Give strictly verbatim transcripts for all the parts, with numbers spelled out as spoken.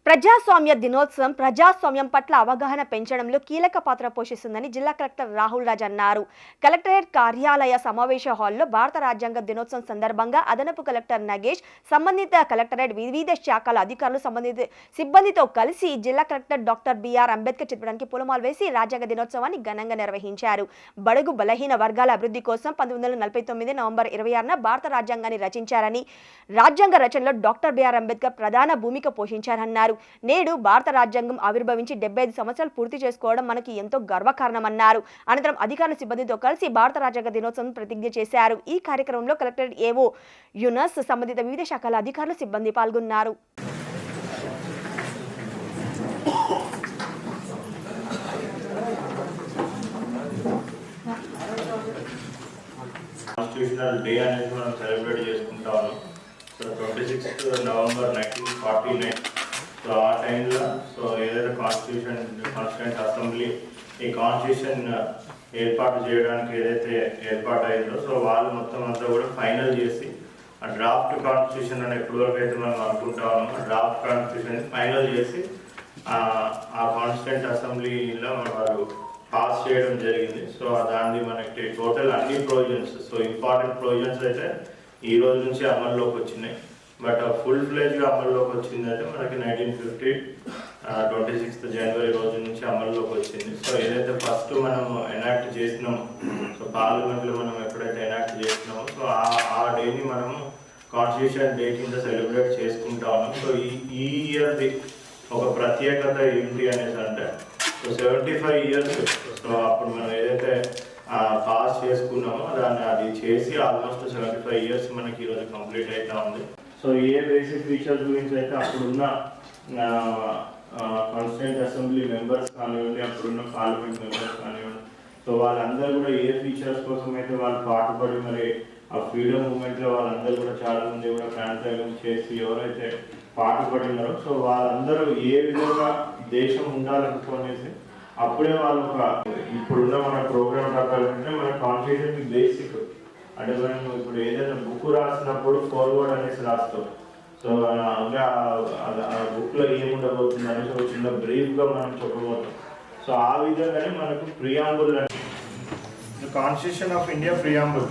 ప్రజాస్వామ్య దినోత్సవం ప్రజాస్వామ్యం పట్ల అవగాహన పెంచడంలో కీలక పాత్ర పోషిస్తుందని జిల్లా కలెక్టర్ రాహుల్ రాజ్ అన్నారు. కలెక్టరేట్ కార్యాలయ సమావేశ హాల్లో భారత రాజ్యాంగ దినోత్సవం సందర్భంగా అదనపు కలెక్టర్ నగేష్, సంబంధిత కలెక్టరేట్ వివిధ శాఖల అధికారులు సంబంధిత సిబ్బందితో కలిసి జిల్లా కలెక్టర్ డాక్టర్ బిఆర్ అంబేద్కర్ చిత్రపటానికి పూలమాలలు వేసి రాజ్యాంగ దినోత్సవాన్ని ఘనంగా నిర్వహించారు. బడుగు బలహీన వర్గాల అభివృద్ధి కోసం పంతొమ్మిది వందల నలభై తొమ్మిది నవంబర్ ఇరవై ఆరున భారత రాజ్యాంగాన్ని రచించారని, రాజ్యాంగ రచనలో డాక్టర్ బిఆర్ అంబేద్కర్ ప్రధాన భూమిక పోషించారన్నారు. నేడు భారత రాజ్యాంగం ఆవిర్భవించి డెబ్బై ఐదు సంవత్సరాలు పూర్తి చేసుకోవడం మనకి ఎంతో గర్వకారణమన్నారు. అనంతరం అధికారుల సిబ్బందితో కలిసి భారత రాజ్యాంగ దినోత్సవం ప్రతిజ్ఞ చేశారు. ఈ కార్యక్రమంలో కలెక్టరేట్ ఏవో యూనస్, సంబంధిత వివిధ శాఖల అధికారులు, సిబ్బంది పాల్గొన్నారు. కాన్స్టిట్యూషనల్ డే అనేది మనం సెలబ్రేట్ చేసుకుంటాము. So twenty sixth November nineteen forty nine so ఆ టైంలో సో ఏదైతే కాన్స్టిట్యూషన్ కాన్స్టిట్యూంట్ అసెంబ్లీ ఈ కాన్స్టిట్యూషన్ ఏర్పాటు చేయడానికి ఏదైతే ఏర్పాటు అయిందో సో వాళ్ళు మొత్తం అంతా కూడా ఫైనల్ చేసి ఆ డ్రాఫ్ట్ కాన్స్టిట్యూషన్ అని ఎప్పటివరకు అయితే మనం అనుకుంటా ఉన్నాం, ఆ డ్రాఫ్ట్ కాన్స్టిట్యూషన్ ఫైనల్ చేసి ఆ కాన్స్టిట్యూంట్ అసెంబ్లీలో వారు పాస్ చేయడం జరిగింది. సో దాన్ని మనకి టోటల్ అన్ని ప్రొవిజన్స్ సో ఇంపార్టెంట్ ప్రొవిజన్స్ అయితే ఈ రోజు నుంచి అమల్లోకి వచ్చినాయి. బట్ ఫుల్ ఫ్లెజ్గా అమల్లోకి వచ్చింది అయితే మనకి నైన్టీన్ ఫిఫ్టీ ట్వంటీ సిక్స్త్ జనవరి రోజు నుంచి అమల్లోకి వచ్చింది. సో ఏదైతే ఫస్ట్ మనం ఎనాక్ట్ చేసినామో సో పార్లమెంట్లో మనం ఎప్పుడైతే ఎనాక్ట్ చేసినామో సో ఆ డేని మనము కాన్స్టిట్యూషన్ డే కింద సెలబ్రేట్ చేసుకుంటా ఉన్నాం. సో ఈ ఈ ఇయర్ది ఒక ప్రత్యేకత ఏంటి అనేసి అంటే so seventy five years so అప్పుడు మనం ఏదైతే పాస్ చేసుకున్నామో దాన్ని అది చేసి ఆల్మోస్ట్ సెవెంటీ ఫైవ్ ఇయర్స్ మనకి ఈరోజు కంప్లీట్ అవుతా ఉంది. సో ఏ బేసిక్ ఫీచర్స్ గురించి అయితే అప్పుడున్న కాన్స్టిట్యూంట్ అసెంబ్లీ మెంబర్స్ కానివ్వండి, అప్పుడున్న పార్లమెంట్ మెంబర్స్ కానివ్వండి, సో వాళ్ళందరూ కూడా ఏ ఫీచర్స్ కోసం అయితే వాళ్ళు పాటుపడి మరి ఆ ఫ్రీడమ్ మూమెంట్లో వాళ్ళందరూ కూడా చాలా మంది కూడా ప్రాంతాలు చేసి ఎవరైతే పాటుపడినారో సో వాళ్ళందరూ ఏ విధంగా దేశం ఉండాలనుకునేసి అప్పుడే వాళ్ళు ఒక ఇప్పుడున్న మన ప్రోగ్రామ్ ప్రకారం అంటే మన కాన్స్టిట్యూషన్ బేసిక్ అంటే మనం ఇప్పుడు ఏదైనా బుక్ రాసినప్పుడు ఫార్వర్డ్ అనేసి రాస్తాం. సో అంటే ఆ బుక్లో ఏముండబోతుంది అనేసి ఒక చిన్న బ్రీఫ్గా మనం చెప్పబోతాం. సో ఆ విధంగానే మనకు ప్రియాంబుల్ అంటే కాన్స్టిట్యూషన్ ఆఫ్ ఇండియా ప్రియాంబుల్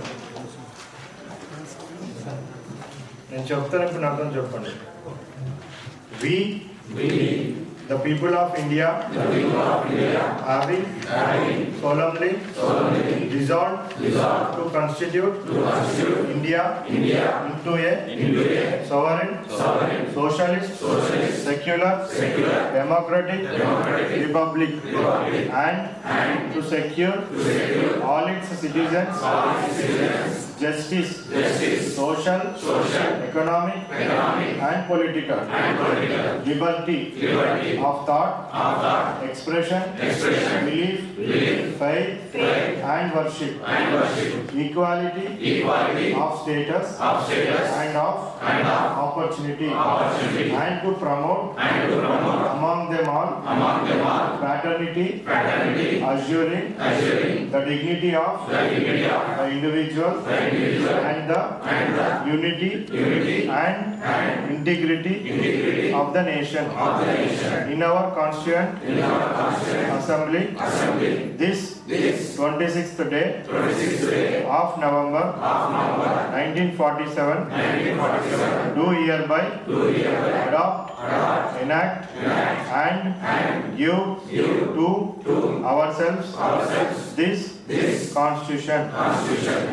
నేను చెప్తాను, ఇప్పుడు అర్థం చెప్పండి. We, we, the people of India, the people of India, having, having solemnly, solemnly resolved, resolved to constitute, to constitute India, India into a, into a sovereign, sovereign, socialist, socialist, secular, secular, democratic, democratic republic, republic, and, and to secure, to secure all its citizens, all its citizens justice, justice, social, social, economic, economic, and political, and political, liberty, liberty of thought, of thought, expression, expression, belief, belief, faith, faith, and worship, and worship, equality, equality of status, of status, and of, and of opportunity, opportunity, and to promote, and to promote among them all, among them all, fraternity, fraternity, assuring, assuring the dignity of, the dignity of the individual, the individual, and the, and the unity, unity, and, and integrity, integrity of the nation, of the nation. In our constituent, in our constituent assembly, assembly, this, this twenty-sixth day, twenty-sixth day of November, of November nineteen forty-seven, nineteen forty-seven, do hereby, do hereby adopt, adopt, enact, enact, and, and give, give to, to ourselves, ourselves this, this constitution, constitution.